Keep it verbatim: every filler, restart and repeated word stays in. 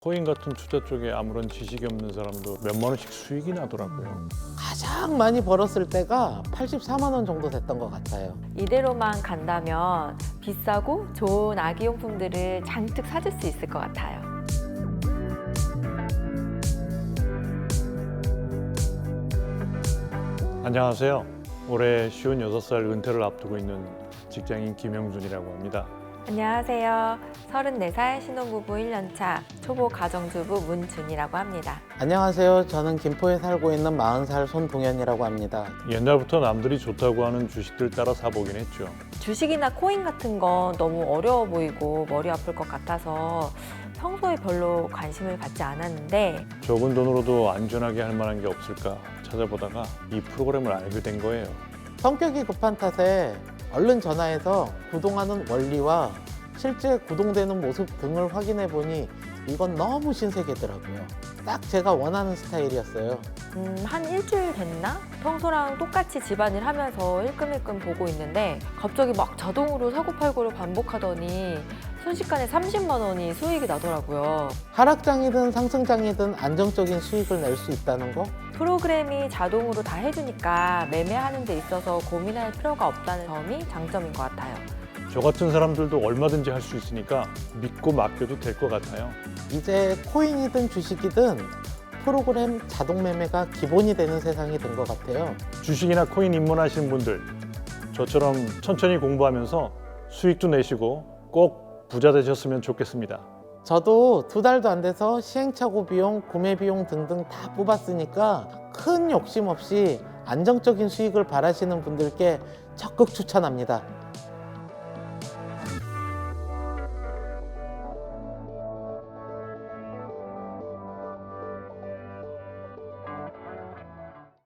코인 같은 투자 쪽에 아무런 지식이 없는 사람도 몇만 원씩 수익이 나더라고요. 가장 많이 벌었을 때가 팔십사만 원 정도 됐던 것 같아요. 이대로만 간다면 비싸고 좋은 아기용품들을 잔뜩 사줄 수 있을 것 같아요. 안녕하세요. 올해 쉰여섯 살 은퇴를 앞두고 있는 직장인 김영준이라고 합니다. 안녕하세요. 서른네 살 신혼부부 일 년 차 초보 가정주부 문준이라고 합니다. 안녕하세요. 저는 김포에 살고 있는 마흔 살 손동현이라고 합니다. 옛날부터 남들이 좋다고 하는 주식들 따라 사보긴 했죠. 주식이나 코인 같은 건 너무 어려워 보이고 머리 아플 것 같아서 평소에 별로 관심을 갖지 않았는데 적은 돈으로도 안전하게 할 만한 게 없을까 찾아보다가 이 프로그램을 알게 된 거예요. 성격이 급한 탓에 얼른 전화해서 구동하는 원리와 실제 구동되는 모습 등을 확인해 보니 이건 너무 신세계더라고요. 딱 제가 원하는 스타일이었어요. 음, 한 일주일 됐나? 평소랑 똑같이 집안일 하면서 일끔일끔 보고 있는데 갑자기 막 자동으로 사고팔고를 반복하더니 순식간에 삼십만 원이 수익이 나더라고요. 하락장이든 상승장이든 안정적인 수익을 낼 수 있다는 거? 프로그램이 자동으로 다 해주니까 매매하는 데 있어서 고민할 필요가 없다는 점이 장점인 것 같아요. 저 같은 사람들도 얼마든지 할 수 있으니까 믿고 맡겨도 될 것 같아요. 이제 코인이든 주식이든 프로그램 자동 매매가 기본이 되는 세상이 된 것 같아요. 주식이나 코인 입문하신 분들, 저처럼 천천히 공부하면서 수익도 내시고 꼭 부자 되셨으면 좋겠습니다. 저도 두 달도 안 돼서 시행착오 비용, 구매 비용 등등 다 뽑았으니까 큰 욕심 없이 안정적인 수익을 바라시는 분들께 적극 추천합니다.